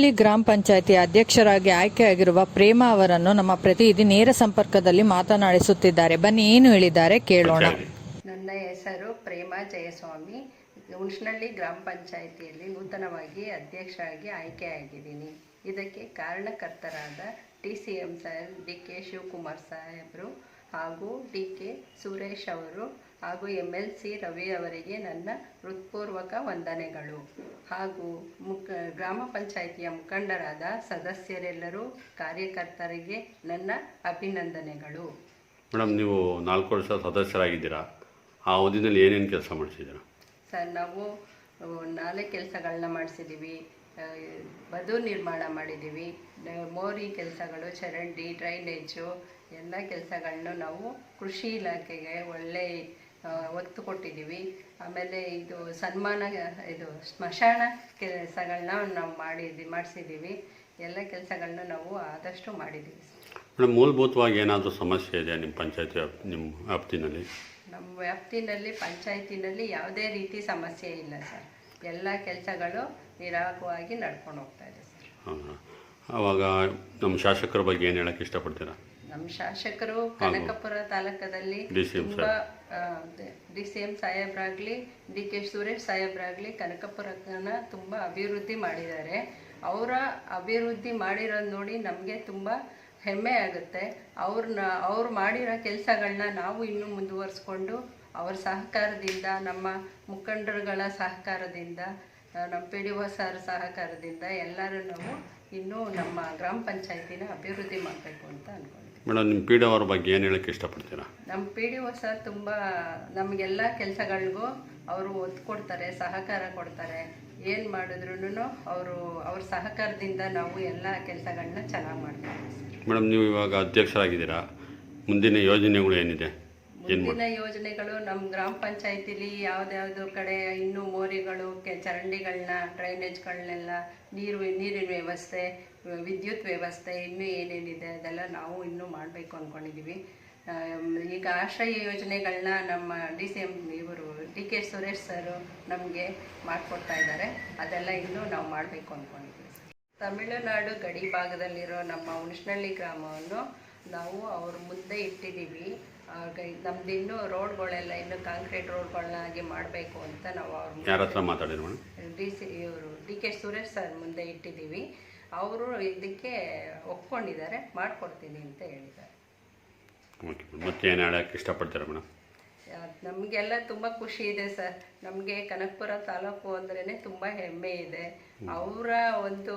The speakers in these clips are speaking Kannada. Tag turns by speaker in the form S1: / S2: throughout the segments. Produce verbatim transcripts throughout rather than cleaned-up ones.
S1: ಹುಣಸನಹಳ್ಳಿ ಗ್ರಾಮ ಪಂಚಾಯಿತಿ ಅಧ್ಯಕ್ಷರಾಗಿ ಆಯ್ಕೆಯಾಗಿರುವ ಪ್ರೇಮಾ ಅವರನ್ನು ನಮ್ಮ ಪ್ರತಿನಿಧಿ ನೇರ ಸಂಪರ್ಕದಲ್ಲಿ ಮಾತನಾಡಿಸುತ್ತಿದ್ದಾರೆ. ಬನ್ನಿ, ಏನು ಹೇಳಿದ್ದಾರೆ ಕೇಳೋಣ.
S2: ನನ್ನ ಹೆಸರು ಪ್ರೇಮಾ ಜಯಸ್ವಾಮಿ. ಹುಣಸನಹಳ್ಳಿ ಗ್ರಾಮ ಪಂಚಾಯಿತಿಯಲ್ಲಿ ನೂತನವಾಗಿ ಅಧ್ಯಕ್ಷರಾಗಿ ಆಯ್ಕೆಯಾಗಿದ್ದೀನಿ. ಇದಕ್ಕೆ ಕಾರಣಕರ್ತರಾದ T C M Saheb D K Shivakumar ಸಾಹೇಬರು ಹಾಗೂ ಡಿ ಕೆ ಸುರೇಶ್ ಅವರು ಹಾಗೂ ಎಮ್ ಎಲ್ ಸಿ ರವಿ ಅವರಿಗೆ ನನ್ನ ಹೃತ್ಪೂರ್ವಕ ವಂದನೆಗಳು. ಹಾಗೂ ಮುಖ ಗ್ರಾಮ ಪಂಚಾಯಿತಿಯ ಮುಖಂಡರಾದ ಸದಸ್ಯರೆಲ್ಲರೂ ಕಾರ್ಯಕರ್ತರಿಗೆ ನನ್ನ ಅಭಿನಂದನೆಗಳು.
S3: ಮೇಡಮ್, ನೀವು ನಾಲ್ಕು ವರ್ಷ ಸದಸ್ಯರಾಗಿದ್ದೀರಾ. ಆ ಅವಧಿಯಲ್ಲಿ ಏನೇನು ಕೆಲಸ ಮಾಡಿಸಿದ್ದೀರಾ?
S2: ಸರ್, ನಾವು ನಾಲೆ ಕೆಲಸಗಳನ್ನ ಮಾಡಿಸಿದ್ದೀವಿ. ಬದು ನಿರ್ಮಾಣ ಮಾಡಿದ್ದೀವಿ. ಮೋರಿ ಕೆಲಸಗಳು, ಚರಂಡಿ, ಡ್ರೈನೇಜು ಎಲ್ಲ ಕೆಲಸಗಳನ್ನು ನಾವು ಕೃಷಿ ಇಲಾಖೆಗೆ ಒಳ್ಳೆ ಒತ್ತು ಕೊಟ್ಟಿದ್ದೀವಿ. ಆಮೇಲೆ ಇದು ಸನ್ಮಾನ, ಇದು ಸ್ಮಶಾನ ಕೆಲಸಗಳನ್ನ ನಾವು ಮಾಡಿದ್ವಿ ಮಾಡಿಸಿದ್ದೀವಿ ಎಲ್ಲ ಕೆಲಸಗಳನ್ನ ನಾವು ಆದಷ್ಟು ಮಾಡಿದ್ದೀವಿ.
S3: ಮೇಡಮ್, ಮೂಲಭೂತವಾಗಿ ಏನಾದರೂ ಸಮಸ್ಯೆ ಇದೆ ನಿಮ್ಮ ಪಂಚಾಯತಿ ನಿಮ್ಮ ವ್ಯಾಪ್ತಿನಲ್ಲಿ?
S2: ನಮ್ಮ ವ್ಯಾಪ್ತಿನಲ್ಲಿ ಪಂಚಾಯತಿನಲ್ಲಿ ಯಾವುದೇ ರೀತಿ ಸಮಸ್ಯೆ ಇಲ್ಲ ಸರ್. ಎಲ್ಲ ಕೆಲಸಗಳು ನಿರಾಳವಾಗಿ ನಡ್ಕೊಂಡು ಹೋಗ್ತಾ ಇದೆ ಸರ್.
S3: ಹಾಂ, ಆವಾಗ ನಮ್ಮ ಶಾಸಕರ ಬಗ್ಗೆ ಏನು ಹೇಳಕ್ಕೆ ಇಷ್ಟಪಡ್ತೀರಾ?
S2: ನಮ್ಮ ಶಾಸಕರು ಕನಕಪುರ ತಾಲೂಕದಲ್ಲಿ ತುಂಬ ಡಿ ಸಿ ಎಂ ಸಾಹೇಬ್ರಾಗಲಿ ಡಿ ಕೆ ಸುರೇಶ್ ಸಾಹೇಬ್ರಾಗಲಿ ಕನಕಪುರನ ತುಂಬ ಅಭಿವೃದ್ಧಿ ಮಾಡಿದ್ದಾರೆ. ಅವರ ಅಭಿವೃದ್ಧಿ ಮಾಡಿರೋದು ನೋಡಿ ನಮಗೆ ತುಂಬ ಹೆಮ್ಮೆ ಆಗುತ್ತೆ. ಅವ್ರನ್ನ ಅವ್ರು ಮಾಡಿರೋ ಕೆಲಸಗಳನ್ನ ನಾವು ಇನ್ನೂ ಮುಂದುವರಿಸ್ಕೊಂಡು ಅವ್ರ ಸಹಕಾರದಿಂದ, ನಮ್ಮ ಮುಖಂಡರುಗಳ ಸಹಕಾರದಿಂದ, ನಮ್ಮ ಪಿ ಡಿ ಒ ಸರ್ ಸಹಕಾರದಿಂದ ಎಲ್ಲರೂ ನಾವು ಇನ್ನೂ ನಮ್ಮ ಗ್ರಾಮ ಪಂಚಾಯತಿನ ಅಭಿವೃದ್ಧಿ ಮಾಡಬೇಕು ಅಂತ ಅಂದ್ಕೊಂಡಿದ್ದೀವಿ.
S3: ಮೇಡಮ್, ನಿಮ್ಮ ಪಿ ಡಿ ಒ ಅವ್ರ ಬಗ್ಗೆ ಏನು ಹೇಳಕ್ಕೆ ಇಷ್ಟಪಡ್ತೀರಾ?
S2: ನಮ್ಮ ಪಿ ಡಿ ಒ ಸರ್ ತುಂಬ ನಮಗೆಲ್ಲ ಕೆಲಸಗಳಿಗೂ ಅವರು ಒತ್ತು ಕೊಡ್ತಾರೆ, ಸಹಕಾರ ಕೊಡ್ತಾರೆ. ಏನು ಮಾಡಿದ್ರು ಅವರು ಅವ್ರ ಸಹಕಾರದಿಂದ ನಾವು ಎಲ್ಲ ಕೆಲಸಗಳನ್ನ ಚೆನ್ನಾಗಿ ಮಾಡ್ತೀವಿ.
S3: ಮೇಡಮ್, ನೀವು ಇವಾಗ ಅಧ್ಯಕ್ಷರಾಗಿದ್ದೀರಾ. ಮುಂದಿನ ಯೋಜನೆಗಳು ಏನಿದೆ?
S2: ಮುಂದಿನ ಯೋಜನೆಗಳು ನಮ್ಮ ಗ್ರಾಮ ಪಂಚಾಯತಿಲಿ ಯಾವುದ್ಯಾವುದೋ ಕಡೆ ಇನ್ನೂ ಮೋರಿಗಳು, ಕೆ ಚರಂಡಿಗಳನ್ನ, ಡ್ರೈನೇಜ್ಗಳನ್ನೆಲ್ಲ, ನೀರು ನೀರಿನ ವ್ಯವಸ್ಥೆ, ವಿದ್ಯುತ್ ವ್ಯವಸ್ಥೆ ಇನ್ನೂ ಏನೇನಿದೆ ಅದೆಲ್ಲ ನಾವು ಇನ್ನೂ ಮಾಡಬೇಕು ಅಂದ್ಕೊಂಡಿದ್ದೀವಿ. ಈಗ ಆಶ್ರಯ ಯೋಜನೆಗಳನ್ನ ನಮ್ಮ ಡಿ ಸಿ ಎಂ ಇವರು ಡಿ ಕೆ ಸುರೇಶ್ ಸರು ನಮಗೆ ಮಾಡಿಕೊಡ್ತಾ ಇದ್ದಾರೆ. ಅದೆಲ್ಲ ಇನ್ನೂ ನಾವು ಮಾಡಬೇಕು ಅಂದ್ಕೊಂಡಿದ್ದೀವಿ. ತಮಿಳುನಾಡು ಗಡಿ ಭಾಗದಲ್ಲಿರೋ ನಮ್ಮ ಹುಣಸನಹಳ್ಳಿ ಗ್ರಾಮವನ್ನು ನಾವು ಅವ್ರ ಮುಂದೆ ಇಟ್ಟಿದ್ದೀವಿ. ನಮ್ದು ಇನ್ನೂ ರೋಡ್ಗಳೆಲ್ಲ ಇನ್ನೂ ಕಾಂಕ್ರೀಟ್ ರೋಡ್ಗಳನ್ನಾಗಿ ಮಾಡಬೇಕು ಅಂತ ನಾವು ಅವ್ರ
S3: ಯಾರ ಹತ್ರ ಮಾತಾಡಿದ್ರು?
S2: ಡಿ ಸಿ ಇವರು ಡಿ ಕೆ ಸುರೇಶ್ ಸರ್ ಮುಂದೆ ಇಟ್ಟಿದ್ದೀವಿ. ಅವರು ಇದಕ್ಕೆ ಒಪ್ಕೊಂಡಿದ್ದಾರೆ, ಮಾಡಿಕೊಡ್ತೀನಿ ಅಂತ ಹೇಳಿದ್ದಾರೆ.
S3: ಓಕೆ, ಮತ್ತೆ ಏನು ಹೇಳಕ್ಕೆ ಇಷ್ಟಪಡ್ತೀರಾ ಮೇಡಮ್?
S2: ನಮಗೆಲ್ಲ ತುಂಬ ಖುಷಿ ಇದೆ ಸರ್. ನಮಗೆ ಕನಕಪುರ ತಾಲೂಕು ಅಂದ್ರೇ ತುಂಬ ಹೆಮ್ಮೆ ಇದೆ. ಅವರ ಒಂದು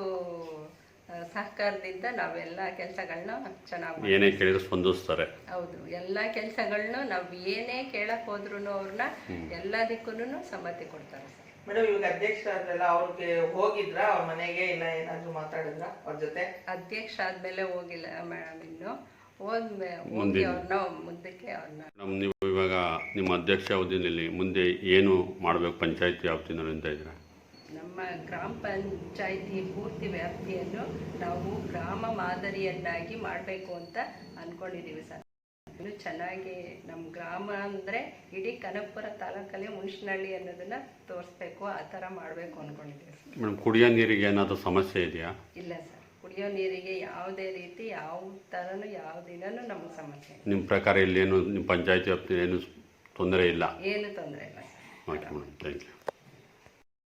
S2: ಸಹಕಾರದಿಂದ ನಾವೆಲ್ಲ ಕೆಲಸಗಳನ್ನ ಚೆನ್ನಾಗಿ
S3: ಏನೇ ಕೇಳಿದ್ರು ಸ್ಪಂದಿಸ್ತಾರೆ.
S2: ಹೌದು, ಎಲ್ಲ ಕೆಲಸಗಳನ್ನ ನಾವು ಏನೇ ಕೇಳಕ್ ಹೋದ್ರು ಅವ್ರನ್ನ ಎಲ್ಲದಕ್ಕೂ ಸಮ್ಮತಿ ಕೊಡ್ತಾರೆ ಸರ್.
S4: ಮೇಡಮ್, ಇವಾಗ ಅಧ್ಯಕ್ಷ ಆದ್ರಲ್ಲ, ಅವ್ರಿಗೆ ಹೋಗಿದ್ರ ಅವ್ರ ಮನೆಗೆ ಇಲ್ಲ ಏನಾದ್ರು ಮಾತಾಡಿದ್ರ ಅವ್ರ ಜೊತೆ?
S2: ಅಧ್ಯಕ್ಷ ಆದ್ಮೇಲೆ ಹೋಗಿಲ್ಲ ಮೇಡಮ್, ಇನ್ನು ಹೋದ್ಮೇ ಹೋಗಿ ಅವ್ರನ್ನ ಮುಂದಕ್ಕೆ ಅವ್ರನ್ನ.
S3: ಮೇಡಮ್, ನೀವು ಇವಾಗ ನಿಮ್ಮ ಅಧ್ಯಕ್ಷ ಅವಧಿಯಲ್ಲಿ ಮುಂದೆ ಏನು ಮಾಡಬೇಕು ಪಂಚಾಯತಿ ವ್ಯಾಪ್ತಿನಲ್ಲಿ ಅಂತ ಇದ್ದೀರಾ?
S2: ನಮ್ಮ ಗ್ರಾಮ ಪಂಚಾಯಿತಿ ಪೂರ್ತಿ ವ್ಯಾಪ್ತಿಯನ್ನು ನಾವು ಗ್ರಾಮ ಮಾದರಿಯನ್ನಾಗಿ ಮಾಡಬೇಕು ಅಂತ ಅಂದ್ಕೊಂಡಿದ್ದೀವಿ ಸರ್. ಇನ್ನು ಚೆನ್ನಾಗಿ ನಮ್ಮ ಗ್ರಾಮ ಅಂದರೆ ಇಡೀ ಕನಕಪುರ ತಾಲೂಕಲ್ಲಿ ಹುಣಸನಹಳ್ಳಿ ಅನ್ನೋದನ್ನ ತೋರಿಸ್ಬೇಕು, ಆ ಥರ ಮಾಡಬೇಕು ಅಂದ್ಕೊಂಡಿದ್ದೀವಿ ಸರ್.
S3: ಮೇಡಮ್, ಕುಡಿಯೋ ನೀರಿಗೆ ಏನಾದರೂ ಸಮಸ್ಯೆ ಇದೆಯಾ?
S2: ಇಲ್ಲ ಸರ್, ಕುಡಿಯೋ ನೀರಿಗೆ ಯಾವುದೇ ರೀತಿ ಯಾವ ಥರನೂ ಯಾವ ದಿನನೂ ನಮಗೆ ಸಮಸ್ಯೆ.
S3: ನಿಮ್ಮ ಪ್ರಕಾರ ಇಲ್ಲಿ ಏನು ನಿಮ್ಮ ಪಂಚಾಯತಿ ವ್ಯಾಪ್ತಿ ಏನು ತೊಂದರೆ ಇಲ್ಲ?
S2: ಏನು ತೊಂದರೆ ಇಲ್ಲ sir.
S3: Okay madam, thank you.